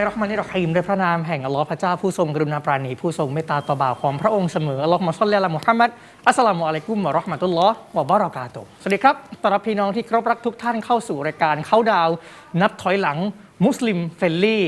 เราะห์มานิรเราะฮีมด้วยพระนามแห่งอัลลอฮ์พระเจ้าผู้ทรงกรุณาปราณีผู้ทรงเมตตาต่อบ่าวของพระองค์เสมออัลลอฮุมะศ็อลลิอะลามุฮัมมัดอัสสลามุอะลัยกุมวะเราะห์มะตุลลอฮ์วะบะเราะกาตุฮ์สวัสดีครับต้อนรับพี่น้องที่เคารพรักทุกท่านเข้าสู่รายการเข้าดาวนับถอยหลังมุสลิมเฟรนลี่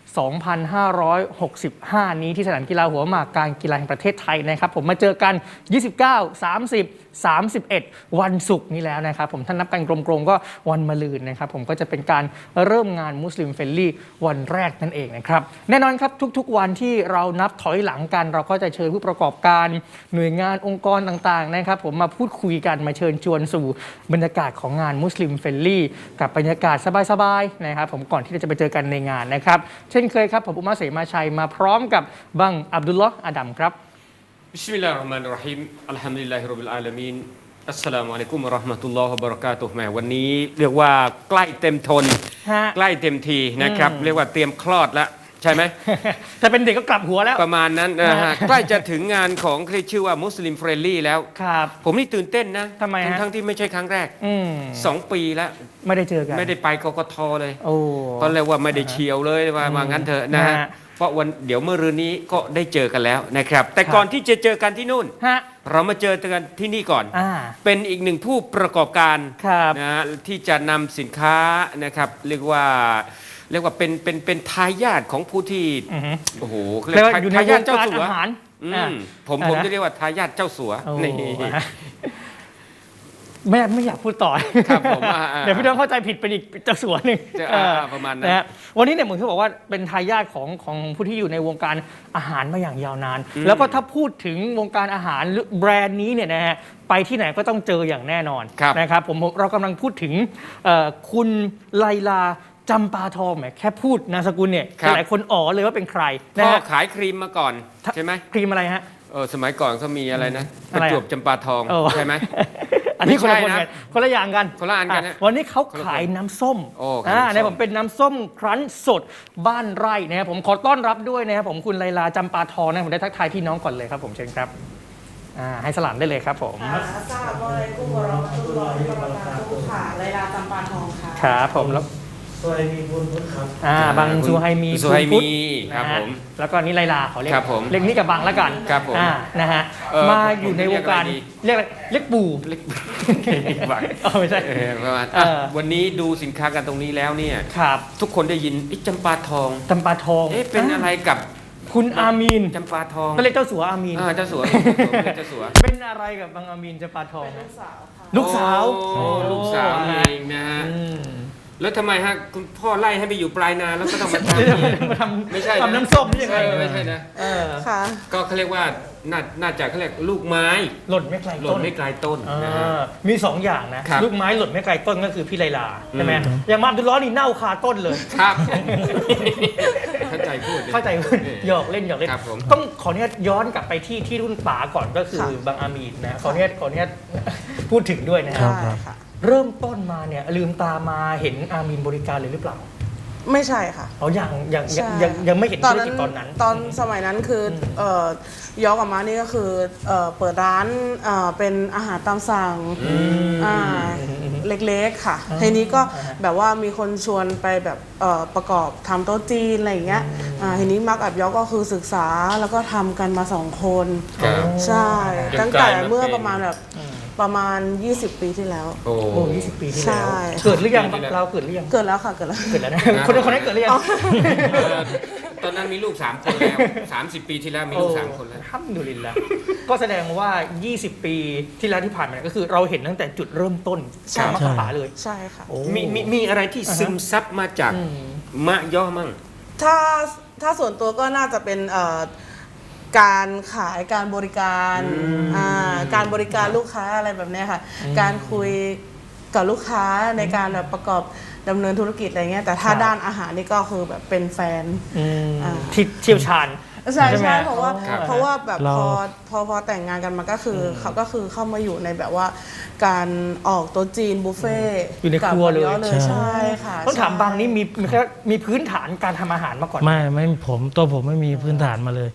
2565 นี้ที่สนามกีฬาหัวหมากการกีฬาแห่งประเทศไทยนะครับผมมาเจอกัน 29 30 31 วันศุกร์นี้แล้วนะครับผมท่านนับกันกลมๆก็วันมะรืนนะครับผมก็จะเป็นการเริ่มงานมุสลิมเฟรนลี่วันแรกนั่นเองนะครับแน่นอนครับทุกๆวันที่เรานับถอยหลังกันเราก็จะเชิญผู้ประกอบการหน่วยงานองค์กรต่างๆนะครับผมมาพูดคุยกันมาเชิญชวนสู่บรรยากาศของงานมุสลิมเฟรนลี่กับบรรยากาศสบายๆนะครับผมก่อนที่เราจะไปเจอกันในงานนะครับเช่นเคยครับผมอุมาเสมาชัยมาพร้อมกับบังอับดุลลอฮ์อาดัมครับบิสมิลลาฮิรเราะห์มานิรเราะฮีมอัลฮัมดุลิลลาฮิร็อบบิลอาลามีนอัสสลามุอะลัยกุมวะเราะห์มะตุลลอฮ์วะบะเราะกาตุฮ์แหมวันนี้เรียกว่าใกล้เต็มทนใกล้เต็มทีนะครับเรียกว่าเตรียมคลอดแล้วใช่ไหมถ้าเป็นเด็กก็กลับหัวแล้วประมาณนั้นนะฮะใกล้จะถึงงานของที่ชื่อว่ามุสลิมเฟรนลี่แล้วครับผมนี่ตื่นเต้นนะทำไมฮะทั้งที่ไม่ใช่ครั้งแรก2 ปีแล้วไม่ได้เจอกันไม่ได้ไปกกทเลยโอ้ตอนแรกว่าไม่ได้เชียวเลยว่างั้นเถอะนะฮะเพราะวันเดี๋ยวเมื่อรืนนี้ก็ได้เจอกันแล้วนะครับแต่ก่อนที่จะเจอกันที่นู่นเรามาเจอกันที่นี่ก่อนเป็นอีกหนึ่งผู้ประกอบการนะฮะที่จะนำสินค้านะครับเรียกว่าเป็นทายาทของผู้ที่โอ้โหเรียกว่าอยู่ในวงการอาหารผมจะเรียกว่าทายาทเจ้าสัวนี่ไม่อยากพูดต่อครับผมเดี๋ยวพี่น้องเข้าใจผิดเป็นอีกเจ้าสัวหนึ่งประมาณนั้นวันนี้เนี่ยเหมือนที่บอกว่าเป็นทายาทของผู้ที่อยู่ในวงการอาหารมาอย่างยาวนานแล้วก็ถ้าพูดถึงวงการอาหารแบรนด์นี้เนี่ยนะฮะไปที่ไหนก็ต้องเจออย่างแน่นอนนะครับเรากำลังพูดถึงคุณไลลาจำปาทองแหมแค่พูดนามสกุลเนี่ยหลายคนอ๋อเลยว่าเป็นใครพ่อขายครีมมาก่อนใช่ไหมครีมอะไรฮะสมัยก่อนเขามีอะไรนะประจวบจำปาทองใช่ไหมอันนี้คนละคนกันคนละอย่างกันคนละอันกันวันนี้เขาขายน้ำส้มเนี่ยผมเป็นน้ำส้มครั้นสดบ้านไร่นะครับผมขอต้อนรับด้วยนะครับผมคุณไลลาจำปาทองนะผมได้ทักทายพี่น้องก่อนเลยครับผมเชิญครับให้สลามได้เลยครับผมอัสสลามุอะลัยกุมวะเราะมะตุลลอฮิวะบะเราะกาตุฮ์ค่ะไลลาจำปาทองค่ะครับผมแล้วซูไฮมีบุญพุทธครับบังซูไฮมีครับผมแล้วก็นี่ไลลาเขาเรียกเรียกนี่กับบังแล้วกันครับผมนะฮะมาอยู่ในวงการเรียกปู่บังไม่ใช่ประมาณวันนี้ดูสินค้ากันตรงนี้แล้วเนี่ยทุกคนได้ยินจำปาทองเป็นอะไรกับคุณอามีนจำปาทองก็เรียกเจ้าสัวอามีนเจ้าสัวเป็นอะไรกับบังอามีนจำปาทองลูกสาวลูกสาวเองนะฮะแล้วทำไมฮะคุณพ่อไล่ให้ไปอยู่ปลายนาแล้วก็ต้องมาทำไม่ใช่ทำน้ำส้มนี่ยังไงไม่ใช่นะค่ะก็เขาเรียกว่าน่าจะเขาเรียกลูกไม้หล่นไม่ไกลต้นนะฮะมี2อย่างนะลูกไม้หล่นไม่ไกลต้นก็คือพี่ไลลาใช่ไหมอย่างมาอับดุลลอฮ์นี่เน่าคาต้นเลยครับเข้าใจพูดหยอกเล่นต้องขออนุญาตย้อนกลับไปที่รุ่นป๋าก่อนก็คือบังอามีนนะขออนุญาตพูดถึงด้วยนะครับเริ่มต้นมาเนี่ยลืมตามาเห็นอามีนบริการเลยหรือเปล่าไม่ใช่ค่ะยังไม่เห็นธุรกิจตอนนั้นตอนสมัยนั้นคือย้อนกลับมานี่ก็คือเปิดร้านเป็นอาหารตามสั่งเล็กๆค่ะทีนี้ก็แบบว่ามีคนชวนไปแบบประกอบทำโต๊ะจีนอะไรอย่างเงี้ยทีนี้มักอับยอกก็คือศึกษาแล้วก็ทำกันมา2 คนใช่ตั้งแต่เมื่อประมาณ20 ปีที่แล้วโอ้20 ปีที่แล้วเกิดหรือยังเราเกิดหรือยังเกิดแล้วค่ะเกิดแล้วนะคนนั้นเกิดหรือยังตอนนั้นมีลูก3 คนแล้ว30 ปีที่แล้วมีลูก3 คนแล้วฮัมดุลิลละก็แสดงว่า20 ปีที่แล้วที่ผ่านมาก็คือเราเห็นตั้งแต่จุดเริ่มต้นมักกะป๋าเลยใช่ค่ะมีอะไรที่ซึมซับมาจากมะย่อมั่งถ้าส่วนตัวก็น่าจะเป็นการขายการบริการการบริการลูกค้าอะไรแบบนี้ค่ะการคุยกับลูกค้าในการแบบประกอบดำเนินธุรกิจอะไรเงี้ยแต่ถ้าด้านอาหารนี่ก็คือแบบเป็นแฟนที่เชี่ยวชาญใช่เพราะว่าแบบพอแต่งงานกันมาก็คือเขาก็คือเข้ามาอยู่ในแบบว่าการออกโต๊ะจีนบุฟเฟ่อยู่ในครัวเลยใช่ค่ะต้องถามบางนี่มีพื้นฐานการทำอาหารมาก่อนไม่ผมไม่มีพื้นฐานมาเลย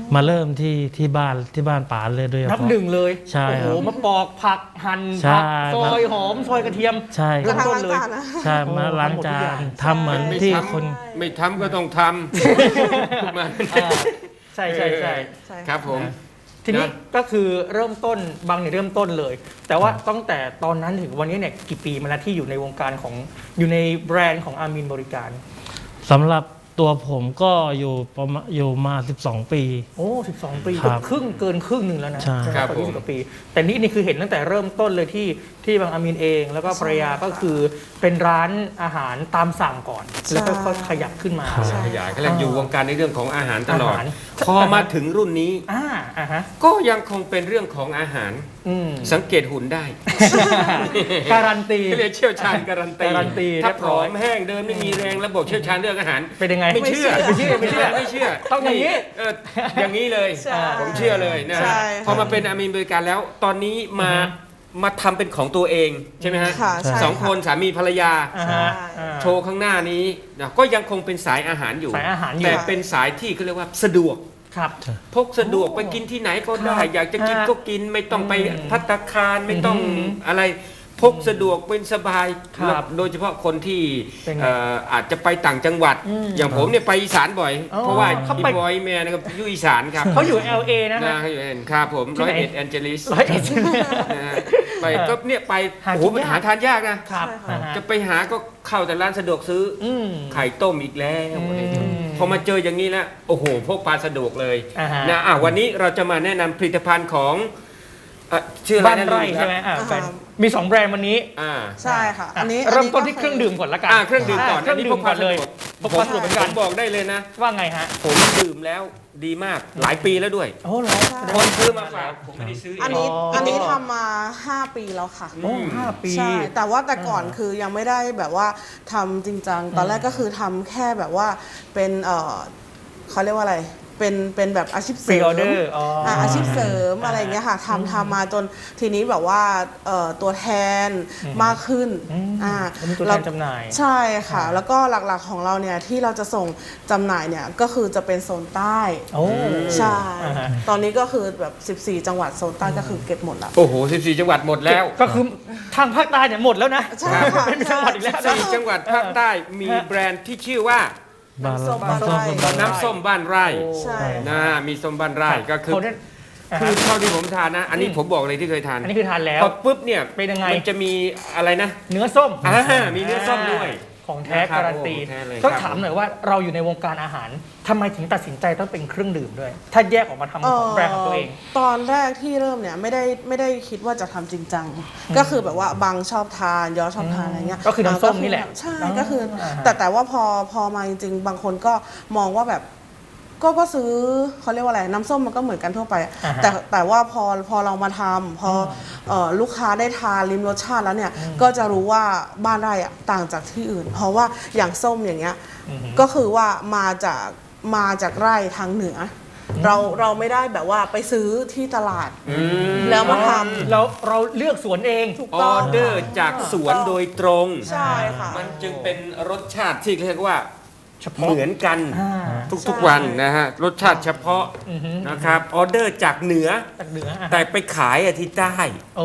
มาเริ่มที่บ้านป๋าเลยด้วยนับหนึ่งเลยใช่โอ้โหครับมาปอกผักหั่นใช่ผักซอยหอมซอยกระเทียมใช่เริ่มต้นเลยกระทั่งล้างจานนะใช่มาล้างจาทำหมดทุกอย่างนทำเหมือนไม่ที่ทำคนไม่ทำก็ต้องทำมาอ่าใช่ใช่ใช่ใช่ครับผมทีนี้นะก็คือเริ่มต้นบางเนี่ยเริ่มต้นเลย แต่ว่าตั้งแต่ตอนนั้นถึงวันนี้เนี่ยกี่ปีมาแล้วที่อยู่ในวงการของอยู่ในแบรนด์ของอามินบริการสำหรับตัวผมก็อยู่มา12 ปีโอ้12 ปีครับครึ่งเกินครึ่งหนึ่งแล้วนะใช่ไหมครับกว่าผม 20 กว่าปี แต่นี่คือเห็นตั้งแต่เริ่มต้นเลยที่บางอามินเอง แล้วก็ภรรยาก็คือเป็นร้านอาหารตามสั่งก่อน แล้วก็ค่อยขยับขึ้นมาใช่ขยายก็เลยอยู่วงการในเรื่องของอาหารตลอดอาหารพอมาถึงรุ่นนี้อ่าฮะก็ยังคงเป็นเรื่องของอาหารอืมสังเกตหุ่นได้การันตีเรียกเชี่ยวชาญการันตีการันตีถ้าเรียบผร้ออยมแห้งเดินไม่มีแรงแล้วบอกเชี่ยวชาญเรื่องอาหารเป็นยังไงไม่เชื่อไม่เชื่อไม่เชื่อไม่เชื่อต้องอย่างนี้อย่างนี้เลยใช่ผมเชื่อเลยนะใช่ฮะค่ะพอมาเป็นอามีนบริการแล้ว ตอนนี้มาทำเป็นของตัวเองใช่ไหมฮะค่ะใช่สองคนสามีภรรยาอ่าฮะใช่อ่าโชว์ข้างหน้านี้นะก็ยังคงเป็นสายอาหารอยู่สายอาหารอยู่แต่เป็นสายที่เขาเรียกว่าสะดวกครับพกสะดวกไปกินที่ไหนก็ได้ครับอยากจะกินฮะก็กินไม่ต้องไปอืมภัตตาคารไม่ต้องอืมอะไรพกสะดวกเป็นสบายครับโดยเฉพาะคนที่เป็นไงอาจจะไปต่างจังหวัดอืมอย่างผมเนี่ยไปอีสานบ่อยอ๋อเพราะว่าเขาอีไปบอยแมนนะครับอยู่อีสานครับเขาอยู่ LA นะนะฮะเขาอยู่เห็นครับผมที่ไหน 101แอนเจลิส 101 นะฮะไปก็เนี่ยไปหาโอ้โหกินยากหาทานยากนะครับใช่ค่ะอ่าฮะจะไปหาก็เข้าแต่ร้านสะดวกซื้อออืมไข่ต้มอีกแล้วอืมพอมาเจออย่างนี้แล้วโอ้โหพกพาสะดวกเลยอ่าฮะนะวันนี้เราจะมาแนะนำผลิตภัณฑ์ของชื่ออะไรบ้านนะไร่ลืใช่ไหมครับแฟนมี 2 แบรนด์วันนี้อ่าใช่ค่ะ อันนี้เริ่มต้นก็ที่เครื่องดื่มก่อนละกันเครื่องดื่มก่อนเครื่องดื่มก่อนเลยพกพาสะดวกเหมือนผกันมบอกได้เลยนะว่าไงฮะผมดื่มแล้วดีมากหลายปีแล้วด้วยโอ้เหรอคนซื้อมาฝากผมไม่ได้ซื้อเองอันนี้อ๋ออัอันนี้ทำมา 5 ปีแล้วค่ะโอ้5 ปีใช่ แต่ว่าแต่ก่อนคือยังไม่ได้แบบว่าทำจริงจัง ตอนแรกก็คือทำแค่แบบว่าเป็นเขาเรียกว่าอะไร เป็นแบบอาชีพเสริม Pre-order อ๋ออ่อาชีพเสริมอะไรอย่างเงี้ยค่ะทำมาจนทีนี้แบบว่าตัวแทนมากขึ้นมีตัวแทนจำหน่ายใช่ค่ะ แล้วก็หลักๆของเราเนี่ยที่เราจะส่งจำหน่ายเนี่ยก็คือจะเป็นโซนใต้โอ้ใช่อ่าฮะตอนนี้ก็คือแบบ 14 จังหวัดโซนใต้ก็คือเก็บหมดแล้วโอ้โห 14 จังหวัดหมดแล้วก็คือทางภาคใต้เนี่ยหมดแล้วนะใช่ค่ะเป็นจังหวัดอีกแล้วนะ 4 จังหวัดภาคใต้มีแบรนด์ที่ชื่อว่าบ้านน้ำส้มบ้านบ้านไร่บ้านน้ำส้มบ้านไร่ใช่นะมีส้มบ้านไร่ก็คือเขาเนี่ยอ่าคืฮะอเท่าที่ผมทานนะ อันนี้ผมบอกเลยที่เคยทานอันนี้คือทานแล้วพอปุ๊บเนี่ยเป็นยังไงมันจะมีอะไรนะเนื้อส้มมีเนื้อส้มด้วยของแท้นะครับการันตีโอ้แท้เลยต้องครับถามหน่อยว่าเราอยู่ในวงการอาหารทำไมถึงตัดสินใจต้องเป็นเครื่องดื่มด้วย ถ้าแยกออกมาทำของแบรนด์ของตัวเองตอนแรกที่เริ่มเนี่ยไม่ได้คิดว่าจะทำจริงจังก็คือแบบว่าบางชอบทานย้อชอบทานอะไรเงี้ยก็คือน้ำส้มนี่แหละใช่อ๋อก็คืออ่าฮะแต่ว่าพอมาจริงๆ บางคนก็มองว่าแบบก็ซื้อเขาเรียกว่าอะไรน้ำส้มมันก็เหมือนกันทั่วไปอ่าฮะแต่ว่าพอเรามาทำพอลูกค้าได้ทานลิ้มรสชาติแล้วเนี่ยก็จะรู้ว่าบ้านไร่อะต่างจากที่อื่น เพราะว่าอย่างส้มอย่างเงี้ยก็คือว่ามาจากไร่ทางเหนืออเราไม่ได้แบบว่าไปซื้อที่ตลาด แล้วมาทำเราเลือกสวนเองถูกอต้อองเดอร์จากสวนโดยตรงใช่ค่ะมันจึงเป็นรสชาติที่เรียกว่าเฉพาะเหมือนกันอ่าทุกๆวันนะฮะ รสชาติเฉพาะอือฮึนะครับออเดอร์จากเหนือจากเหนืออ่ะแต่ไปขายที่ใต้โอ้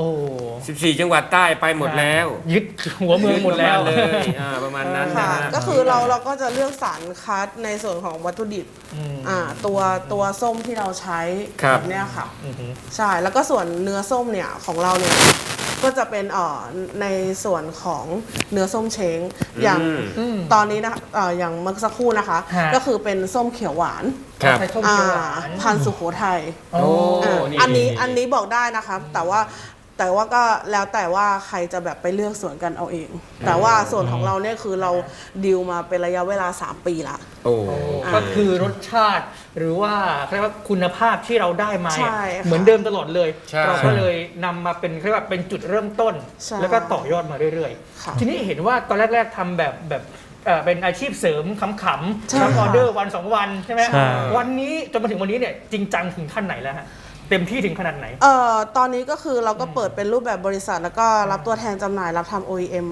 14 จังหวัดใต้ไปหมดแล้วยึดหัวเมืองหมดแล้วเลยประมาณนั้นนะค่ะฮะก็คือเราก็จะเลือกสารคัดในส่วนของวัตถุดิบอืมตัวส้มที่เราใช้ครับแบบเนี้ยค่ะอือฮึใช่แล้วก็ส่วนเนื้อส้มเนี่ยของเราเนี่ยก็จะเป็นในส่วนของเนื้อส้มเช้งอย่างอืมตอนนี้นะอย่างเมื่อสักครู่นะคะฮะก็คือเป็นส้มเขียวหวานครับใช้ส้มเขียวหวานพันธุ์สุโขทัยโอ้อันนี้บอกได้นะคะแต่ว่าก็แล้วแต่ว่าใครจะแบบไปเลือกส่วนกันเอาเอง แต่ว่าส่วนของเราเนี่ยคือเราดีลมาเป็นระยะเวลา 3 ปีละโอ้ก็คือรสชาติหรือว่าเรียกว่าคุณภาพที่เราได้มาใช่ค่ะเหมือนเดิมตลอดเลยใช่เราก็เลยนำมาเป็นเรียกว่าเป็นจุดเริ่มต้นใช่แล้วก็ต่อยอดมาเรื่อยค่ะๆ ทีนี้เห็นว่าตอนแรกๆทำแบบเป็นอาชีพเสริมขำใช่ๆรับออค่ะเดอร์วัน 2 วันใช่ไหมใช่วันนี้จนมาถึงวันนี้เนี่ยจริงจังถึงขั้นไหนแล้วฮะเต็มที่ถึงขนาดไหนตอนนี้ก็คือเราก็เปิดเป็นรูปแบบบริษัท แล้วก็รับตัวแทนจำหน่ายรับทำ OEM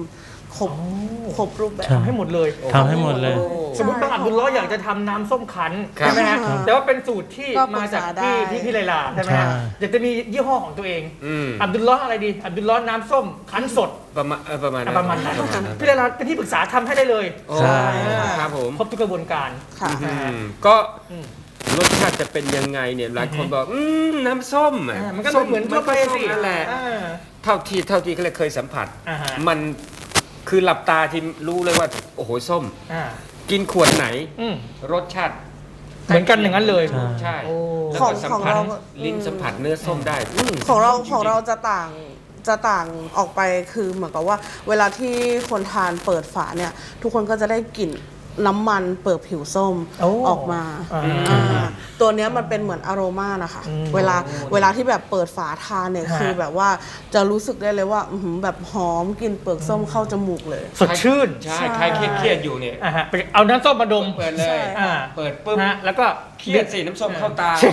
ครบรูปแบบใช่ทำให้หมดเลยทำให้หมดเลยสมมติบางอับดุลล้อฮ์อยากจะทำน้ำส้มคั้นครับใช่ไหมฮะครับแต่ว่าเป็นสูตรที่ก็ปรึมาก จากษาได้ที่พี่ไลลาใช่ไหมฮะใช่อยากจะมียี่ห้อของตัวเองอืมอับดุลล้อฮ์อะไรดีอับดุลล้อฮ์น้ำส้มคั้นสดประมาณประมาณประมาณนั้นพี่ไลลาเป็นที่ปรึกษาทำให้ได้เลยโอ้ใช่ครับผมครบทุกกระบวนการค่ะก็อืมรสชาติจะเป็นยังไงเนี่ยหลายคนบอกน้ำส้มอะมันก็เหมือนทั่วไปมันก็ส้สิมนั่นแหละอ่าเท่าที่เขาเลยเคยสัมผัสอ่าฮะมันคือหลับตาที่รู้เลยว่าโอ้โหส้มอ่ากินขวดไหนอืมรสชาติเหมือนกันอย่างนั้นเลยใช่โอ้แล้วขอก็งสัมของผัสเราลิ้นสัมผัสเนื้อส้มได้ของเราส้มจของเราๆจะต่างออกไปคือเหมือนกับว่า เวลาที่คนทานเปิดฝาเนี่ย ทุกคนก็จะได้กลิ่นน้ำมันเปิดผิวส้มโอ้ออกมาอ่าตัวเนี้ยมันเป็นเหมือนอโรมานะคะอืมเวลาที่แบบเปิดฝาทานเนี่ยฮะคือแบบว่าจะรู้สึกได้เลยว่าอื้อหือแบบหอมกลิ่นเปลือกส้มเข้าจมูกเลยสดชื่นใช่ใครเครียดๆอยู่เนี่ยอ่าฮะไปเอาน้ำส้มมาดมเปิดเลยใช่อ่าเปิดปุ๊บฮะแล้วก็เครียดสิน้ำส้มเข้าตา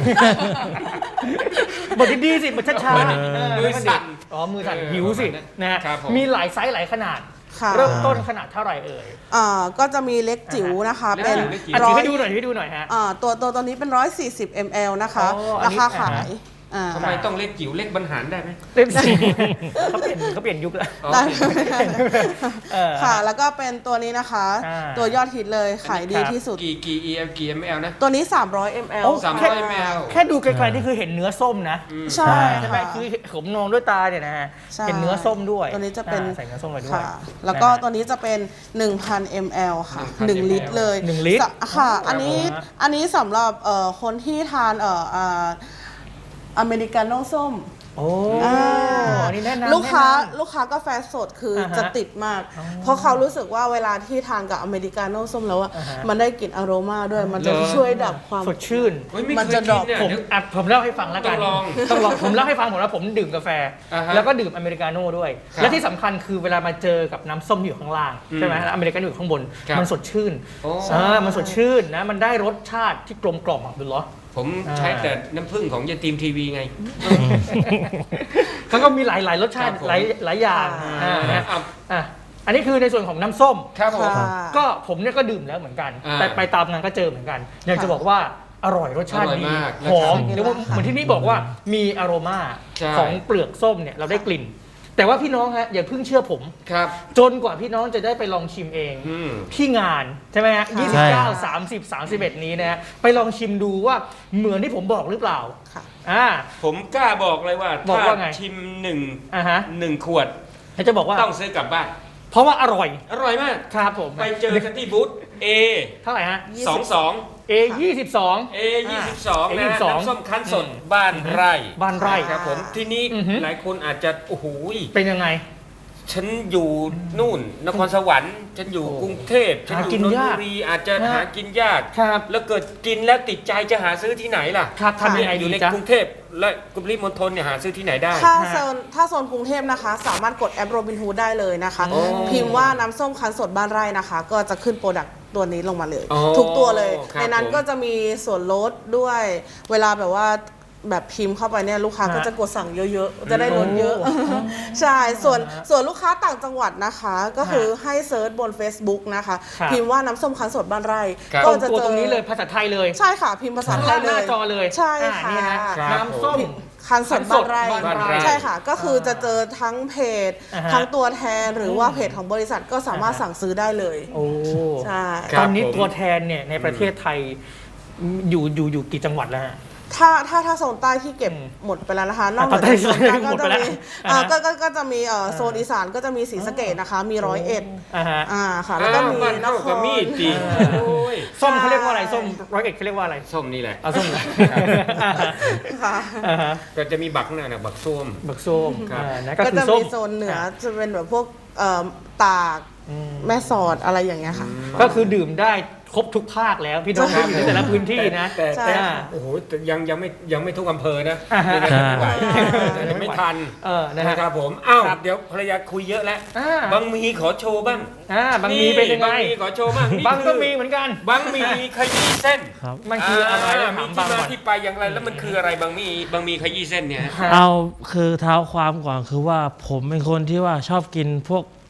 บทดีๆสิบทช้าๆมือสั่นอ๋อมือสั่นเออหิวสิประมาณนั้นนะฮะครับผมมีหลายไซส์หลายขนาดค่ะเริ่มต้นขนาดเท่าไหร่เอ่ยก็จะมีเล็กจิ๋วนะคะเล็กเป็นจิ๋วอ่ะร้ถืออย ให้ดูหน่อยถือให้ดูหน่อยฮะตัวนี้เป็น 140 ml นะคะอ๋ออันรานี้คาขายอ่าทำไมต้องเล็กจิ๋วเล็กบรรหารได้ไหมเล่มสี่เขาเปลี่ยนยุคแล้วอ๋อได้เออค่ะ แล้วก็เป็นตัวนี้นะคะอ่าตัวยอดฮิตเลยขายดีที่สุดกี่ ml นะตัวนี้ 300 ml โอ้ 300 ml แค่ดูไกลๆนี่คือเห็นเนื้อส้มนะใช่ใช่ไหมค่ะคือผมมองด้วยตาเนี่ยนะฮะใช่เห็นเนื้อส้มด้วยตัวนี้จะเป็นใส่เนื้อส้มไปด้วยค่ะ แล้วก็นะฮะตัวนี้จะเป็น 1,000 ml ค่ะ 1,000 1 ลิตรเลย 1 ลิตรค่ะครับผมอันนี้สำหรับคนที่ทานอเมริกาโน่ส้มโอ้อ่าอันนี้แนะนำลูกค้าแนะนำลูกค้ากาแฟสดคืออาฮะจะติดมาก เพราะเขารู้สึกว่าเวลาที่ทานกับอเมริกาโน่ส้มแล้วอะอ่าฮะมันได้กลิ่นอโรมาด้วย มันจะเหรอช่วยดับความสดชื่นเฮ้ยไม่มันเคยจะกินดรอปเนี่ยผมเดี๋ยวผมเล่าให้ฟังแล้วกันต้องลองผมเล่าให้ฟังผมแล้วผมดื่มกาแฟอ่าฮะแล้วก็ดื่มอเมริกาโน่ด้วยครับและที่สำคัญคือเวลามาเจอกับน้ำส้มที่อยู่ข้างล่างใช่ไหมแล้วอเมริกาโน่อยู่ข้างบนครับมันสดชื่นโอ้มันสดชื่นนะมันได้รสชาติที่กลมกล่อมอับดุลลอฮ์ผมใช้แต่น้ำผึ้งของยาตีมทีวีไงเขาก็มีหลายรสชาติครับผมหลายอย่างอ่านะอ่ะอ่ะอันนี้คือในส่วนของน้ำส้มครับผมค่ะก็ผมเนี่ยก็ดื่มแล้วเหมือนกันอ่าแต่ไปตามงานก็เจอเหมือนกัน อยากจะบอกว่าอร่อยรสชาติอร่อยดีมากหอมนะครับเรียกว่าเหมือนที่นี่บอกว่ามีอโรมาใช่ของเปลือกส้มเนี่ยเราได้กลิ่น แต่ว่าพี่น้องฮะอย่าเพิ่งเชื่อผมครับจนกว่าพี่น้องจะได้ไปลองชิมเองอืมที่งานใช่ไหมฮะใช่ 29 30 31 นี้นะฮะไปลองชิมดูว่าเหมือนที่ผมบอกหรือเปล่าค่ะผมกล้าบอกเลยว่าบอกถ้าว่าไงชิมอ่าฮะหนึ่งขวดแล้วจะบอกว่าต้องซื้อกลับบ้านเพราะว่าอร่อยอร่อยมากครับผมไปเจอกันที่บูธ A เท่าไหร่ฮะ 22 A 22 A 22นะ A22 น้ำส้มคั้นสดบ้านไร่บ้านไร่ครับผมที่นี้อือฮึหลายคนอาจจะโอ้โหเป็นยังไงฉันอยู่นู่นนครสวรรค์ฉันอยู่โอ้กรุงเทพฉันหาอยู่กินนนทยากบุรีอาจจะฮะหากินยากครับแล้วเกิดกินแล้วติดใจจะหาซื้อที่ไหนล่ะครับทำยังไงอดียู่ในจ๊ะกรุงเทพและกรุงเทพมณฑลเนี่ยหาซื้อที่ไหนได้ถ้าโซนกรุงเทพนะคะ สามารถกดแอปโรบินฮูดได้เลยนะคะโอ้พิมพ์ว่าน้ำส้มคั้นสดบ้านไร่นะคะ ก็จะขึ้นโปรดักต์ตัวนี้ลงมาเลยอ๋อทุกตัวเลยครับในนั้นผมก็จะมีส่วนลดด้วย เวลาแบบว่าแบบพิมพ์เข้าไปเนี่ยลูกค้าก็จะกดสั่งเยอะๆ จะได้ลดเยอะ ใช่ ส่วนลูกค้าต่างจังหวัดนะคะ ก็คือให้เซิร์ชบน Facebook นะคะครับพิมพ์ว่าน้ำส้มคั้นสดบ้านไร่ครับก็จะตัวเจอตรงนี้เลยภาษาไทยเลยใช่ค่ะ พิมพ์ภาษาข้างไทล่าย งเลหน้าย จอเลยใช่อ่าค่ะนี่ฮะครับน้ำส้มคันสดบ้านไร่บ้านไร่ใช่ค่ะ ก็คือจะเจอทั้งเพจอ่าฮะทั้งตัวแทนหรือว่าเพจของบริษัทก็สามารถสั่งซื้อได้เลยโอ้ใช่ครับตอนนี้ผมตัวแทนเนี่ยในประเทศไทยอยู่กี่จังหวัดแล้วฮะถ้าโซนใต้ที่เก็บหมดไปแล้วนะคะนอกเหนือจากโซนกลางหมก็ดไปจะแล้วมีอ่าฮะก็จะมีโซนอีสานก็จะมีศรีสะเกษนะคะ มี101 อ่าฮะค่ะ แล้วก็มีบ้านนเท่าคกับรมีดจริงอ่าโอ้ยส้มเขาเรียกว่าอะไรส้ม101เขาเรียกว่าอะไรส้มนี่แหละเอาส้มเหรอค่ะอ่าฮะก็จะมีบักนั่นนะบักส้มบักส้มครับนะก็ก็คือจะส้มมีโซนเหนือจะเป็นแบบพวกตากแม่สอดอะไรอย่างเงี้ยค่ะก็คือดื่มได้ครบทุกภาคแล้วพี่น้องใช่ที่อยู่ในแต่ละพื้นที่นะแต่ใช่แต่ค่ะโอ้โหแต่ยังไม่ทุกอำเภอนะอ่าฮะยังไม่ไหวใช่ยังไม่ทันนะฮะนะครับผมอ้าวครับเดี๋ยวภรรยาคุยเยอะแล้วอ่าบางมีขอโชว์บ้างบางมีเป็นยังไงบางมีขอโชว์บ้างนี่บางก็คือมีเหมือนกันบางมีขยี้เส้นครับมันคืออะไรมีถามที่บางมาก่อนที่ไปอย่างไรแล้วมันคืออะไรบางมีขยี้เส้นเนี่ยฮะเอาคือเท้าความก่อนคือว่าผมเป็นคนที่ว่าชอบกินพวก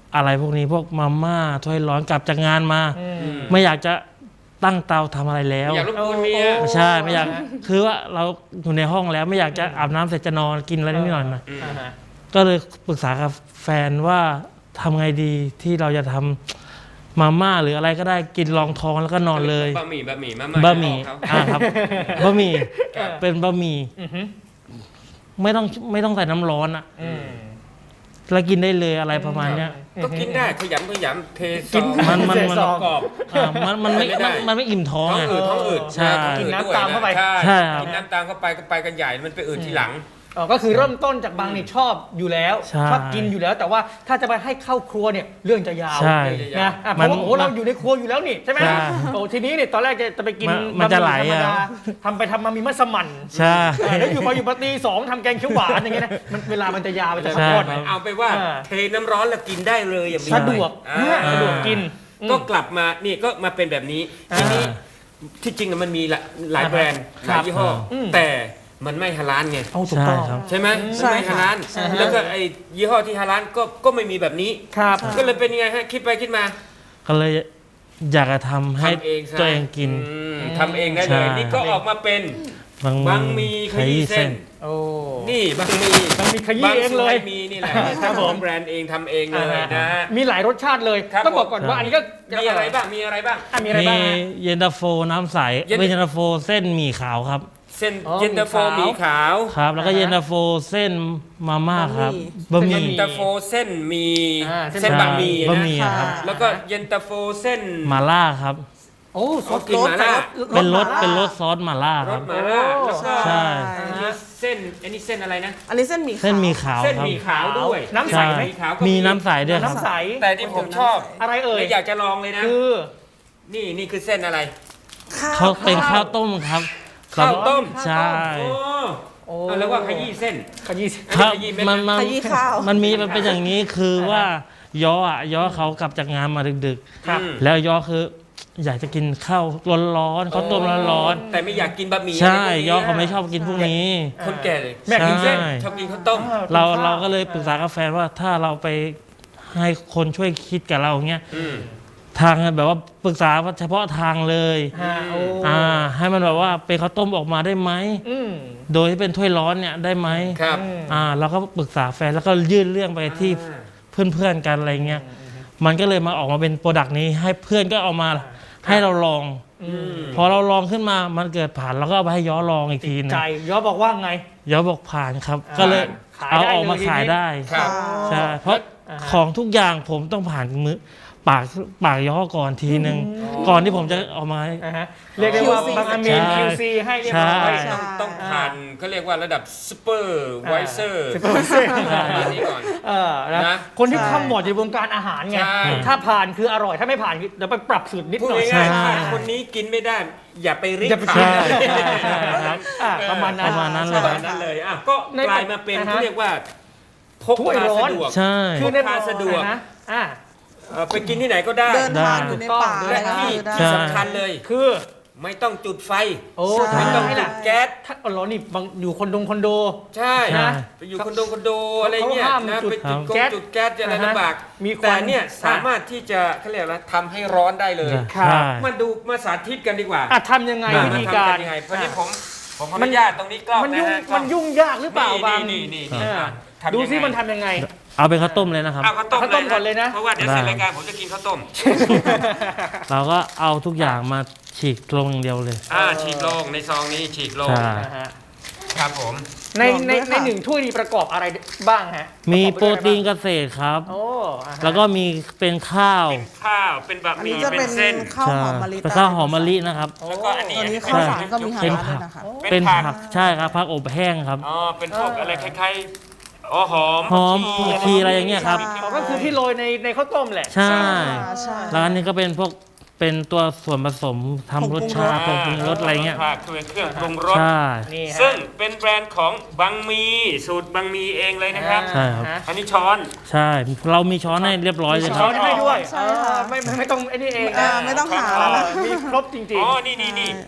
อะไรพวกนี้พวกมาม่าถ้วยร้อนกลับจากงานมา ไม่อยากจะตั้งเตาทำอะไรแล้วอยากรบกวนเมียใช่ไม่อยากคือว่าเราอยู่ในห้องแล้วไม่อยากจะอาบน้ำเสร็จจะนอนกินอะไรนิดหน่อยนะก็เลยปรึกษากับแฟนว่าทำไงดีที่เราจะทำมาม่าหรืออะไรก็ได้กินรองท้องแล้วก็นอนเลยบะหมี่มาบะหมี่ครับบะหมี่เป็นบะหมี่ไม่ต้องใส่น้ำร้อนอ่ะแล้วกินได้เลยอะไรประมาณเนี้ยก็กินได้ขยำเทซองมันกรอบมันไม่อิ่มท้องท้องไงอืดใช่กินน้ำตามเข้าไปใช่ครับกินน้ำตามเข้าไปก็ไปกันใหญ่มันไปอืดทีหลังก็คือเริ่มต้นจากบางนี่ชอบอยู่แล้วใช่ชอบกินอยู่แล้ว แต่ว่าถ้าจะไปให้เข้าครัวเนี่ยเรื่องจะยาวใช่นะเพราะว่าโอ้เราอยู่ในครัวอยู่แล้วนี่ใช่ไหมใช่โอ้ทีนี้เนี่ยตอนแรกจะไปกินมันจะไหลบมี่ธรรมดาอะทำไปทำมามีมัสมั่นใช่แล้วอยู่ปตีสองทำแกงเขียวหวานอย่างเงี้ยนะมันเวลามันจะยาวมันจะใช่ทอดครับเอาไปว่าเทน้ำร้อนแล้วกินได้เลยอย่างนี้สะดวกอ่าสะดวกกินก็กลับมานี่ก็มาเป็นแบบนี้ทีนี้ที่จริงมันมีหลายแบรนด์หลายยี่ห้ออแต่มันไม่ฮาลาลไงเอาถูกต้องใช่ครับใช่ไหมใช่มันไม่ฮาลาลค่ะแล้วก็ไอ้ยี่ห้อที่ฮาลาลก็ไม่มีแบบนี้ครับก็เลยเป็นยังไงฮะคิดไปคิดมาก็เลยอยากจะทำให้ทำเองซะตัวเองกินทำเองได้เลยใช่นี่ก็ออกมาเป็นบางมีขยี้เส้นโอ้นี่บางมีบางมีขยี้เองเลยบางมีนี่แหละครับผมแบรนด์เองทำเองเลยนะฮะมีหลายรสชาติเลยครับต้องบอกก่อนว่าอันนี้ก็มีอะไรบ้างมีอะไรบ้างมีอะไรบ้างมีฮะเย็นตาโฟน้ำใสเย็นไม่เย็นตาโฟเส้นหมี่ขาวครับเส้นอ๋อเย็นตาโฟหหมี่มี่ขาวขาวครับ แล้วก็เย็นตาโฟเส้นมาม่าครับบะหมี่เย็นตาโฟเส้นหมีเส้เส้นนบะหมี่บะนะหมี่ครับแล้วก็เย็นตาโฟเส้นมาล่าครับโอ้ซอสกินหม่าล่าเป็นรสซอสมาล่าร ครัสบหมาล่าแล้วก็ใช่อันนี้เส้นอันนี้เส้นอะไรนะอันนี้เส้นหมี่ขาวเส้นหมี่ขาวเส้นครับหมี่ขาวด้วยน้ำใสไหมหมี่ขาวก็มีน้ำใสด้วยครับน้ำใสแต่ที่ผมชอบอะไรเอ่ยและอยากจะลองเลยนะคือนี่คือเส้นอะไรเขาเป็นข้าวต้มครับข้าวต้มใช่โอ้โอ้เอาแล้วว่าขยี้เส้นขยี้ครับขยี้เม็ดมันขยี้ข้าวมันมีมันเป็นอย่างนี้คือว่าย้อเขากลับจากงานมาดึกครับๆ แล้วย้อคืออยากจะกินข้าวร้อนๆข้าวต้มร้อนแต่ไม่อยากกินบะหมี่ๆใช่ะไรพวกนี้ย้อเขาไม่ชอบกินพวกนี้คนแก่เลยแม่กินเส้นใช่ชอบกินข้าวต้มเราก็เลยปรึกษากับแฟนว่าถ้าเราไปให้คนช่วยคิดกับเราเงี้ยอืมทางแบบว่าปรึกษาเฉพาะทางเลยฮะโอ้ให้มันแบบว่าเป็นข้าวต้มออกมาได้ไหมอืมโดยที่เป็นถ้วยร้อนเนี่ยได้ไหมครับเราก็ปรึกษาแฟนแล้วก็ยื่นเรื่องไปที่เพื่อนๆกันอะไรเงี้ยมันก็เลยมาออกมาเป็นโปรดักต์นี้ให้เพื่อนก็เอามาให้เราลอง พอเราลองขึ้นมามันเกิดผ่านเราก็เอาไปให้ย้อลองอีกทีนึงใจย้อบอกว่าไงย้อบอกผ่านครับ ก็เลยขายเอาได้ออกมาเลยทีนี้ขายได้ครับใช่เพราะของทุกอย่างผมต้องผ่านมือปากย้อก่อนทีนึงก่อนที่ผมจะออกมาอ่าฮะเรียกได้ว่า QC บางอามีนใช่ QC ให้เรียบร้อยใช่ต้องผ่านเขาเรียกว่าระดับซูเปอร์ไวเซอร์ Supervisor ประมาณนี้ก่อนนะนะคนที่ข้ามหมดในวงการอาหารไงใช่ถ้าผ่านคืออร่อยถ้าไม่ผ่านคือเดี๋ยวไปปรับสูตรนิดพูดหน่อยง่ายใช่ๆถ้าคนนี้กินไม่ได้ อย่าไปริบอย่าไปผ่าใช่นใช่ครับประมาณนั้นประมาณนั้นปเลยระมาณนั้นเลยอ่ะก็กลายมาเป็นอ่าฮะเขาเรียกว่าพกถ้วยพาร้อนสะดวกใช่คือในพกพาสะดวกนะอ่าไปกินที่ไหนก็ได้เดินทางอยู่ในป่าได้อะไรและก็ที่คือได้ที่สำคัญเลยคือไม่ต้องจุดไฟโอ้ใช่ไม่ต้องให้จุล่ะดแก๊สถ้าร้อนนี่บางอยู่คอนโดใช่ใช่ไปอยู่คอนโดอะไรเงี้ยเขาห้ามนะจุดไปจุดแก๊สจุดแก๊สจะอะไรอ่าฮะลำบากมีควันแต่เนี่ยสามารถที่จะเขาเรียกว่าทำให้ร้อนได้เลยครับใช่มาสาธิตกันดีกว่าทำยังไงมาวิธีการทำกันยังไงเพราะนี่ผมขออนุญาตตรงนี้กล้องมันนะยุ่งฮะกล้มัองนยุ่งยากหรือเปล่าบางนี่อ่าทำยังไงดูซิมันทำยังไงเอาเป็นข้าวต้มเลยนะครับเอาข้าวต้มข้าวต้มก่อนเลยนะเพราะว่าเดี๋ยวเสร็จรายการผมจะกินข้าวต้มเราก็เอาทุกอย่างมาฉีกลงอย่างเดียวเลยฉีกลงในซองนี้ฉีกลงใช่นะฮะครับผมในลองด้วยค่ะหนึ่งถ้วยนี้ประกอบอะไรบ้างฮะมีะกอบโปรด้วยอะไตีนเกษตรครับโอ้อ่าฮะแล้วก็มีเป็นข้าวเป็นข้าวเป็นบะอันหมี่นี้จะเป็เป็น นเส้นข้าวหอมมะลิเป็นข้าวหอมมะลินะครับแล้วก็อันนี้ตัวนี้เป็ข้าวสารก็มีหาเป็นร้านด้ผัวยกนะคะเป็นผักใช่ครับผักอบแห้งครับอ๋อเป็นพวกอะไรคล้ายๆอ๋อหอมหอมผักชีอะไรอย่างเงี้ยครับอ๋อก็คือที่โรยในข้าวต้มแหละใช่ใช่แล้วอันนี้ก็เป็นพวกเป็นตัวส่วนผสมทำรสชาติผงปรุงรสอะไรเงี้ยผักคือเครื่องปรุงรสใช่นี่ฮะซึ่งเป็นแบรนด์ของบังมีสูตรบังมีเองเลยนะครับใช่ครับฮะอันนี้ช้อนใช่ เรามีช้อนให้เรียบร้อยเลยคช้รัอบ นให้ด้วยใช่ค่ะไม่ต้องไอ้นี่เองไม่ต้องหาแล้วนะมีครบจริงอ๋อนี่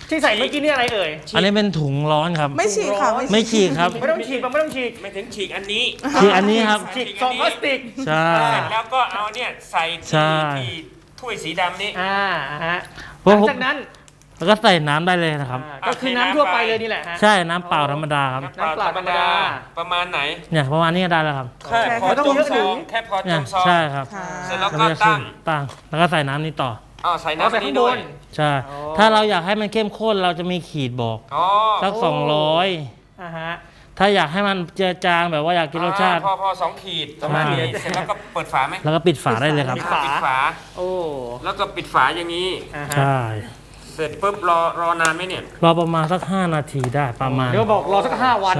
ที่ใส่เมื่อกี้นี่อะไรเอ่ยอันนี้เป็นถุงร้อนครับไม่ฉีกค่ะไม่ฉีกครับไม่ต้องฉีกไม่ต้องฉีกไม่ถึงฉีกอันนี้ฉีกอันนี้ครับฉีกซองพลาสติกใช่เสร็จแล้วก็เอาเนี่ยใส่ใช่ที่ถ้วยสีดำนี้ฮะเพหลัราะงผมจากนั้นแล้วก็ใส่น้ำได้เลยนะครับก็คือน้ำทั่วไปเลยนี่แหละฮะใช่น้ำเปล่าธรรมดาครับน้ำเปล่าธรรมดาประมาณไหนเนี่ยประมาณนี้ก็ได้แล้วครับแค่พอไม่ต้องจมเยอะซถึอง งแค่พอจเนี่ยมซองใช่ครับค่ะเสร็จแล้วแล้วก็ก็ตั้งแล้วก็ใส่น้ำนี้ต่อใส่เอาใส่น้ำข้านี้งบด้วยนใช่ ถ้าเราอยากให้มันเข้มข้นเราจะมีขีดบอกอ๋อสักโอ้ 200 อ่าฮะถ้าอยากให้มันเจือจางแบบว่าอยากกินรสชาติพอ2 ขีดประมาณนี้ใช่เสร็จแล้วก็เปิดฝาไหมแล้วก็ปิดฝาได้เลยครับปิดฝาปิดฝาโอ้แล้วก็ปิดฝาอย่างนี้อ่าฮะใช่เสร็จปุ๊บรอนานไหมเนี่ยรอประมาณสัก5 นาทีได้ประมาณเดี๋ยวบอกรอสัก5 วันใช่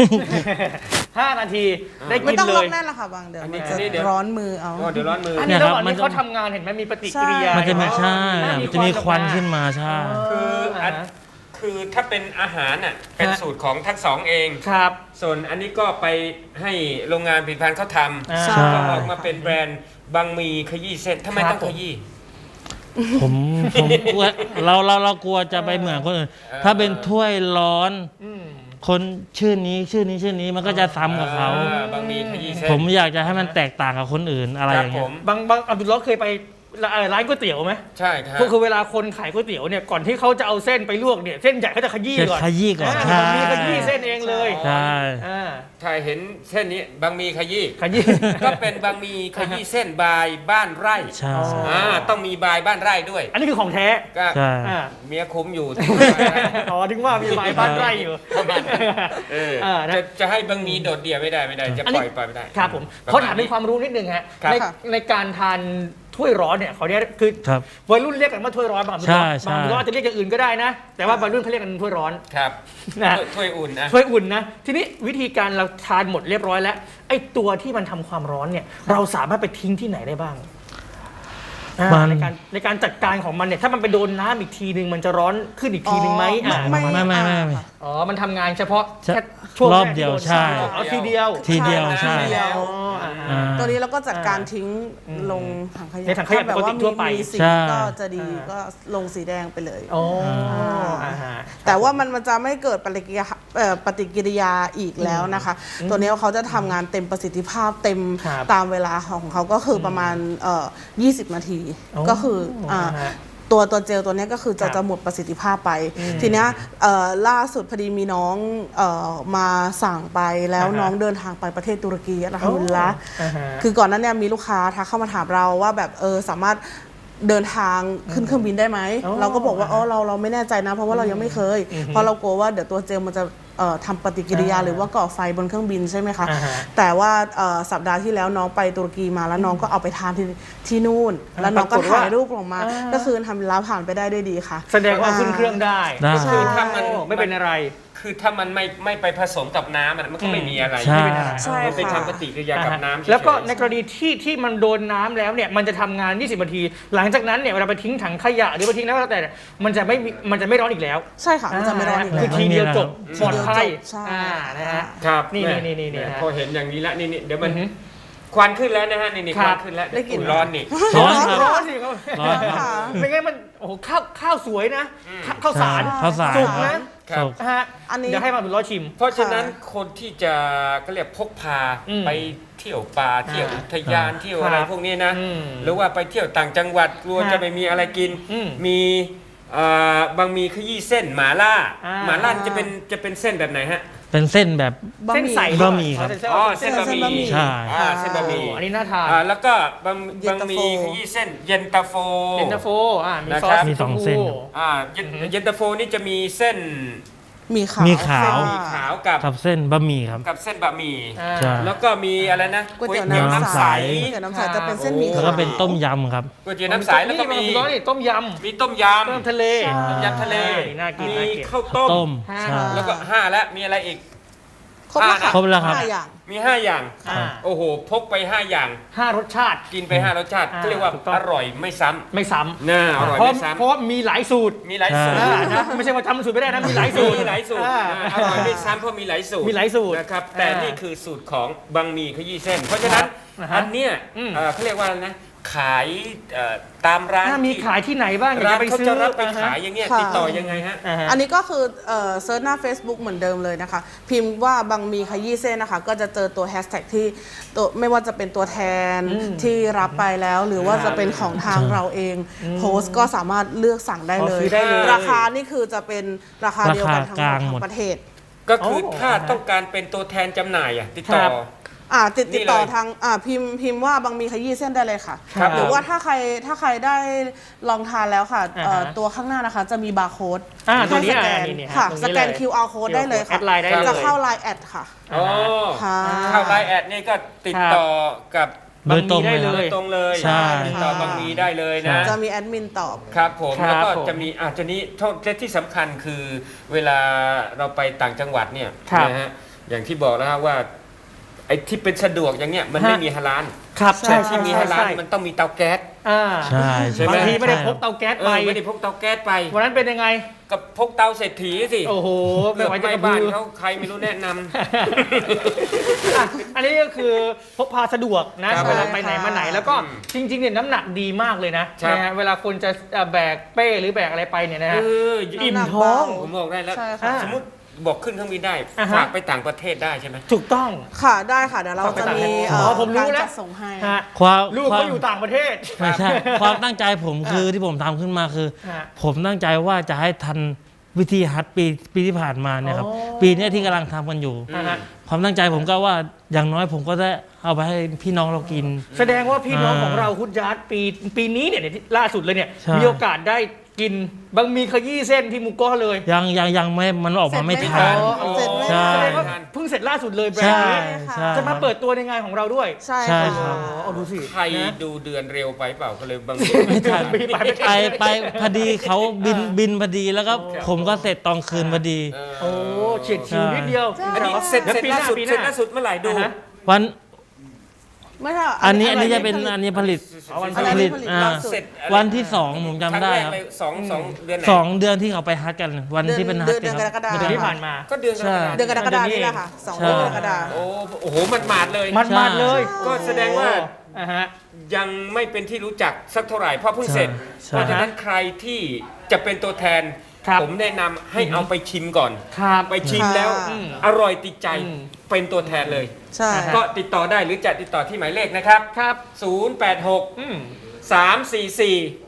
5 นาทีได้ไม่กินต้องเลล็อกยแน่นละค่ะบางเดี๋ยวอันมันี้นจะอันนี้เดี๋ยวร้อนมือเอาอ๋อเดี๋ยวร้อนมืออันอนี้เนี่ยระครับหว่างมันนี้จะเขาทำงานเห็นไหมมีปฏิกิริยามันจะมีเห็นไหใช่ มันจะมีควันขึ้นมาใช่คือถ้าเป็นอาหารน่ะเป็นสูตรของทั้งสองเองครับส่วนอันนี้ก็ไปให้โรงงานผลิตภัณฑ์เขาทอ่าใช่ำก็ออกมาเป็นแบรนด์บางมีขยี้เส้นทำไมครับต้องขยี้ผมกลัวเรากลัวจะไปเหมือนคนอื่น ถ้าเป็นถ้วยร้อนอืมคนชื่อนี้มันก็จะซ้ำกับเขาบางมีขยี้เส้นผมอยากจะให้มันแตกต่างกับคนอื่นอะไรคอรับย่างผเงี้ยมบางอับดุลลอฮ์เคยไปร้านก๋วยเตี๋ยวไหมใช่ครับคือเวลาคนขายก๋วยเตี๋ยวเนี่ยก่อนที่เขาจะเอาเส้นไปลวกเนี่ยเส้นใหญ่เขาจะขยี้ก่อนขยี้ก่อนอ่าใช่มีขยี้เส้นเองเลยใช่อ่าถ้าเห็นเส้นนี้บางมีขยี้ขยี้ก็เป็นบางมีขยี้เส้นบายบ้านไร่ใช่ต้องมีบายบ้านไร่ด้วยอันนี้คือของแท้ก็ใช่อ่าเมียคุ้มอยู่อ๋อถึงว่ามีหมายบ้านไร่อยู่ นะจะให้บางมีโดดเดี่ยวไม่ได้จะอันปนี้ล่อยไม่ได้ครับผมเขาถามเป็นความรู้นิดนึงฮะครับในการทานถ้วยร้อนเนี่ยเขาเรียกคือครับวัยรุ่นเรียกกันว่าถ้วยร้อนบางคนใช่บางคนอาจจะเรียกอย่างอื่นก็ได้นะ แต่ว่าวัยรุ่นเขาเรียกกันถ้วยร้อนครับนะถ้วยอุ่นนะถ้วยอุ่นนะทีนี้วิธีการเราทานหมดเรียบร้อยแล้วไอ้ตัวที่มันทำความร้อนเนี่ยเราสามารถไปทิ้งที่ไหนได้บ้างมันในการจัดการของมันเนี่ยถ้ามันไปโดนน้ำอีกทีนึงมันจะร้อนขึ้นอีกทีนึงไหมอ๋อไม่ไม่ค่ะอ๋อมันทำงานเฉพาะใช่แค่ช่วงรอบแกที่เดียวโนใช่เอาทีเดียวทีเดียวใช่ใช่ทีเดียวอ๋ออ่าอ่าตัวนี้เราก็จัดการทิ้งลงถังขยะในถังขยะถ้าแบบว่าปกติทั่วไปมีสีใช่ก็จะดีก็ลงสีแดงไปเลยอ๋ออ่าฮะแต่ว่ามันจะไม่เกิดปฏิกิริยาอีกแล้วนะคะ ตัวนี้เขาจะทำงานเต็มประสิทธิภาพเต็มครับตามเวลาของเขาก็คือประมาณ20 นาทีอ๋อก็คืออ่าฮะตัวเจลตัวเนี้ยก็คือครัจะบจะหมดประสิทธิภาพไป ทีเนี้ยล่าสุดพอดีมีน้องมาสั่งไปแล้วอ่าฮะน้องเดินทางไปประเทศตุรกีอัลฮัมดุลิลละห์อ่าฮะคือก่อนหนั้นเนี่ยมีลูกค้าทักเข้ามาถามเราว่าแบบสามารถเดินทางขึ้นเครื่องบินได้ไหมอ๋อเราก็บอกว่าเราไม่แน่ใจนะ เพราะว่าเรายังไม่เคย เพราะเรากลัวว่าเดี๋ยวตัวเจลมันจะทำปฏิกิริยาหรือว่าก่อไฟบนเครื่องบินใช่ไหมคะอ่าฮะแต่ว่าสัปดาห์ที่แล้วน้องไปตุรกีมาแล้วน้องก็เอาไปทานที่นู่น แล้วน้องก็ปรากฏว่าถ่ายรูปออกมาอ่าก็คือทำแล้วผ่านไปได้ด้วยดีค่ะแสดงว่าขึ้นเครื่องได้ได้ก็คือถ้ามันไม่เป็นอะไรคือถ้ามันไม่ไปผสมกับน้ำมันก็ไม่มีอะไรใช่ไม่เป็นอะไรใช่มันเป็นค่ะทำปฏิกิริยากับน้ำเฉยๆแล้วก็ในกรณีที่มันโดนน้ำแล้วเนี่ยมันจะทำงาน 20 นาที หลังจากนั้นเนี่ยเวลาไปทิ้งถังขยะหรือไปทิ้งแล้วแต่เนี่ยมันจะไม่ร้อนอีกแล้วใช่ค่ะมันจะไม่ร้อนอีกคืแล้อวทีเดียวจบทีปลอดเดียวภัยจบใช่นะฮะครับนี่แม่นี่แม่ฮะพอเห็นอย่างนี้แล้วนี่เดี๋ยวมันอือฮึควันขึ้นแล้วนะฮะนี่คครับ วันขึ้นแล้วได้กลิ่นร้อนนี่ร้อนครับร้อนสิครับร้อนครับค่ะไม่งั้นมันโอ้โหข้าวสวยนะข้าวสารข้าวสารสุกครันะบครับสุกนะฮะอันนี้เดี๋ยวให้มาเป็นร้อยชิมเพราะฉะนั้นคนที่จะก็เรียกพกพาอืมไปเที่ยวป่าเที่ยวอุทยานเที่ยวอะไรครับพวกนี้นะอืมหรือว่าไปเที่ยวต่างจังหวัดกลัวฮะจะไม่มีอะไรกินอืมมีบางมีขยี้เส้นหมาล่าอ่าหมาล่าจะเป็นเส้นแบบไหนฮะเป็นเส้นแบบเส้นใสบะหมี่ครับอ๋อเส้นบะหมี่ใช่เส้นบะหมี่อันนี้น่าทานแล้วก็บางเย็นตาโฟมีขยี้เส้นเย็นตาโฟเย็นตาโฟมีนะซอครัสบมีสองเส้นเย็นตาโฟนี่จะมีเส้นมีขาวมีขาวค่ะขาวกับกับเส้นบะหมี่ครับกับเส้นบะหมี่อ่าใช่แล้วก็มีอะไรนะก๋วยเตี๋ยวก๋วยเตี๋ยวน้ำน้ำใสใสก๋วยเตี๋ยวน้ำใสจะเป็นเส้นหมี่แล้วก็เป็นต้มยำครับก๋วยเตี๋ยวน้ำใสแล้วก็มีนี่ต้มยมีต้มยำต้มทะเลำต้มยำทะเลน่ากินมีน่ากินข้าวต้มต้มห้าใช่แล้วก็5แล้วมีอะไรอีกครบแล้วค่ะครบแล้วครับห้าอย่างมี5อย่างอ่าโอ้โหพกไป5อย่าง 5 รสชาติกินไป5รสชาติอ่าก็เรียกว่าถูกต้องอร่อยไม่ซ้ไม่ซ้ำน่าอร่อยำเพราะไม่ซ้เพราะว่ามีหลายสูตรำมีหลายสูตรใช่นะไม่ใช่ว่าจำสูตรไม่ได้นะมีหลายสูตรมีหลายสูตรอ่าอร่อยไม่ซ้ำเพราะมีหลายสูตรมีหลายสูตรนะครับแต่อ่านี่นี่คือสูตรของบางหมี่ขยี้เส้น เพราะฉะนั้นนะฮะอันเนี้ยอืมเขาเรียกว่าอะไรนะขายตามร้านมีขายที่ไหนบ้างร้านไปเขาซื้อจะรับไปขายอย่างเงี้ยค่ะติดต่อยังไงฮะอันนี้ก็คือเซิร์ชหน้า Facebook เหมือนเดิมเลยนะคะ พิมพ์ว่าบางมีขยี้เส้นนะคะ ก็จะเจอตัวแฮชแท็กที่ตัวไม่ว่าจะเป็นตัวแทนที่รับไปแล้ว หรือว่าจะเป็นของทางเราเองโพสต์ก็สามารถเลือกสั่งได้เลยซื้อได้เลยราคานี่คือจะเป็นราคาเดียวกันทั้งหมดทั้งประเทศก็คือถ้าต้องการเป็นตัวแทนจำหน่ายติดต่อครับติดต่อนี่เลยทางพิมพ์ว่าบางมีขยี้เส้นได้เลยค่ะครับหรือว่าถ้าใครได้ลองทานแล้วค่ะอ่าฮะตัวข้างหน้านะคะจะมีบาร์โค้ดตัวนี้ให้สแกนนี่ฮะค่ะตรงนี้สแกนเลย QR code ได้เลยค่ะแอดไลน์ได้เลยจะเข้า Line แอดค่ะอ๋อค่ะเข้าไลน์แอดนี่ก็ติดต่อกับโดยตรงได้เลยเลครับยตรงเลยใช่ติดต่อบางมีได้เลยนะจะมีแอดมินตอบครับผมครับแล้วก็ผมจะมีอาจจะนี้และที่สำคัญคือเวลาเราไปต่างจังหวัดเนี่ยครับนะฮะอย่างที่บอกแล้วว่าไอ้ที่เป็นสะดวกอย่างเนี้ยมันไม่มีฮาลาลครับแต่ที่มีฮาลาลมันต้องมีเตาแก๊สใช่ใช่ไหมบางทีไม่ได้พกเตาแก๊สไปไม่ได้พกเตาแก๊สไปวันนั้นเป็นยังไงกับพกเตาเศรษฐีสิโอ้โหไม่ไหวจะไม่กระบ้าบืนอเขาใครไม่รู้แนะนำอ่ะอันนี้ก็คือพกพาสะดวกนะครับ เวลาไปไหนมาไหนใช่ค่ะแล้วก็จริงๆเนี่ยน้ำหนักดีมากเลยนะครับ นะฮะเวลาคนจะแบกเป้หรือแบกอะไรไปเนี่ยนะฮะ อิ่มท้องผมบอกได้แล้วใช่ค่ะสมมติบอกขึ้นเครื่องบินได้อ่าฮะฝากไปต่างประเทศได้ใช่ไหมถูกต้องค่ะได้ค่ะเดี๋ยวเราจะมีผมรู้การแล้วจัดส่งให้ฮะความลูกควาเขามอยู่ต่างประเทศไม่ใช่ ความตั้งใจผมคือที่ผมทำขึ้นมาคือฮะผมตั้งใจว่าจะให้ทันวิธีฮัทปีที่ผ่านมาเนี่ยครับอ๋อปีเนี้ยที่กำลังทำกันอยู่อ่าฮะความตั้งใจผมก็ว่าอย่างน้อยผมก็ได้เอาไปให้พี่น้องเรากินแสดงว่าพี่น้องอ่าของเราคุณยัดปีนี้เนี่ยที่ล่าสุดเลยเนี่ยใช่มีโอกาสได้กินบางมีขยี้เส้นที่หมูก้อเลยยังไม่มันออกมาไม่ทันเสร็จไหมใช่แสดงว่าเพิ่งเสร็จล่าสุดเลยแบรนใช่ด์นี้ใช่จะมาเปิดตัวในงานของเราด้วยใช่ใช่ค่ะครับเอาดูสิใครนะดูเดือนเร็วไปเปล่าก็เลยบางไม่ทันปีไปไม่ทันไปพอดีเขาบินพอดีแล้วก็ผมก็เสร็จตอนคืนพอดีโอ้เฉียดชิวนิดเดียวอันนี้เสร็จแล้วปีหล่าน้าสุดปีหเสร็จน้าล่าสุดเมื่อไหร่ดูอ่าฮะวันไม่ใช่อันนี้จะเป็นอันนี้ผลิตอันผนี้ลิตผลิตอ่าล่าสุดเสร็จวันที่สองผมจำได้ครับงแกเลยสองเดือนไหน 2 เดือนที่เขาไปฮัทกันวันที่เป็นฮัทเดือนกรกฎาคมเดือนที่ผ่านมาก็เดือนกรกฎาคมเดือนกรกฎาคมนี่แหละค่ะ2 ใช่เดือนกรกฎาคมโอ้โหมันหมาดเลยมันๆเลยก็แสดงว่าอ่าฮะยังไม่เป็นที่รู้จักสักเท่าไหร่เพราะเพิ่งเสร็จใช่เพราะฉะนั้นใครที่จะเป็นตัวแทนครับผมแนะนำให้เอาไปชิมก่อนครับไปชิมแล้วอืมอร่อยติดใจอืมเป็นตัวแทนเลยใช่ก็ติดต่อได้หรือจะติดต่อที่หมายเลขนะครับครับ 086 อืม 344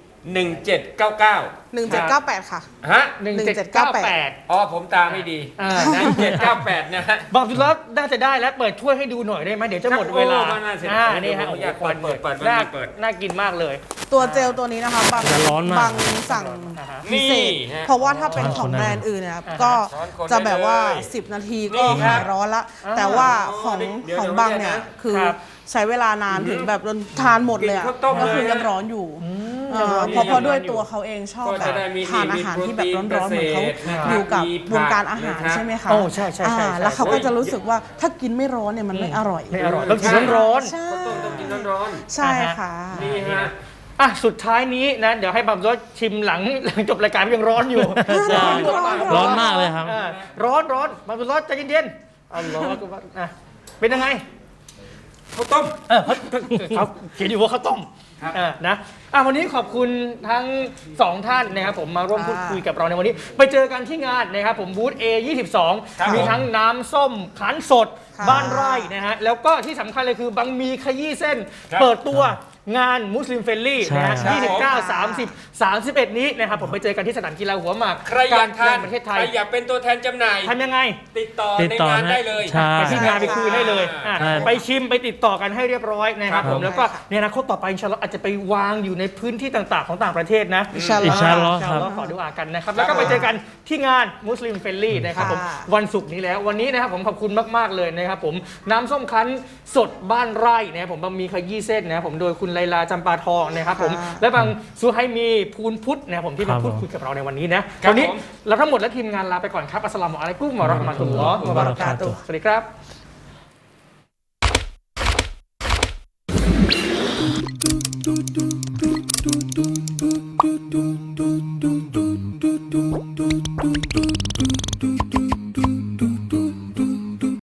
1799 1798 ค่ะฮะ 1798 อ๋อผมตาไม่ดีอ่านะ1798นะฮะบอกจุดแล้วน่าจะได้แล้วเปิดถ้วยให้ดูหน่อยได้ไหมเดี๋ยวจะหมดเวลาโอ้น่าเสียดายนี่ฮะผมอยากโโหควันเปิดน่าเปิดน่ากินมากเลยตัวเจลตัวนี้นะคะบางจะร้อนมากบางสั่งอ่าฮะพิเศษนี่ฮะเพราะว่าถ้าเป็นช้อนของคนได้แบรนด์อื่นเนี่ยอ่าฮะก็ช้อนคนจะแบบว่าได้เลย 10 นาทีนี่ก็ครัหาบยร้อนละอ่าแต่ว่าอ๋อของเดี๋ยวของเดี๋ยวบางเนี่ยนะคือครับใช้เวลานานถึงแบบจนทานหมดเลยอะกินข้าวต้มก็คือเลยนะยังร้อนอยู่ยังร้อนอยู่เพราะด้วยยังร้อนอยู่ตัวเขาเองชอบก็แบจะบได้มีทานอาหารที่แบบร้อนๆเหมือนเขามีโปรตีนเกษตรนะครับอยู่กับมีผักวงการอาหารนะครับใช่ไหมคะโอ้ใช่ใช่ใช่แล้วเขาก็โอ้ยจะรู้สึกว่าถ้ากินไม่ร้อนเนี่ยมันไม่อร่อยไม่อร่อยต้องกินร้อนใช่ข้าวต้มต้องกินร้อนใช่ค่ะๆนี่ฮะๆอ่ะสุดท้ายนี้นะเดี๋ยวให้บัมรสชิมหลังจบรายการยังร้อนอยู่ใช่ร้อนมากเลยครับอ่าร้อนบัมรสใจเย็นๆเอาร้อนก็ว่าอ่ะเป็นยังไงข้าวต้มเขาเขียนอยู่ว่าข้าวต้มครับนะวันนี้ขอบคุณทั้งสองท่านนะครับผมมาร่วมพูดคุยกับเราในวันนี้ ไปเจอกันที่งานนะครับผมบูธ A22 มีทั้งน้ำส้มขันสดค่ะบ้านไร่นะฮะแล้วก็ที่สำคัญเลยคือบางมีขยี้เส้นครับเปิดตัวงานมุสลิมเฟรนลี่นะฮะใช่ 29 30 31 นี้นะครับผมไปเจอกันที่สนามกีฬาหัวหมากใครอยากทานประเทศไทใคยรอยากเป็นตัวแทนจำหน่ายทำยังไงติดต่อติดในต่องานนะได้เลยใช่ไปที่งานไปคุยได้เลยอ่ะใช่ไปชิมไปติดต่อกันให้เรียบร้อยนะครับครับผมแล้วก็ในอนาคตต่อไปอินชาอัลลอฮ์อาจจะไปวางอยู่ในพื้นที่ต่างๆของต่างประเทศนะอินชาอัลลอฮ์อินชาอัลลอฮ์อินชาอัลลอฮ์ขอดุอากันนะครับแล้วก็ไปเจอกันที่งานมุสลิมเฟรนลี่นะครับผมค่ะวันศุกร์นี้แล้ววันนี้นะครับผมขอบคุณมากๆเลยนะครับผมน้ำส้มคั้นสดบ้านไร่นะครับผมบะหมี่ขยี้เส้นนะครับผมโดยคุณไลลาจำปาทองนะครับผมและบางซูไฮมีพูนพุทธนะครับผมที่มาพูดคุยกับเราในวันนี้นะครับ วันนี้ผมเราทั้งหมดและทีมงานลาไปก่อนครับอัสสลามุอะลัยกุมวะเราะห์มะตุลลอฮ์วะบะเราะกาตุฮ์สวัสดีครับ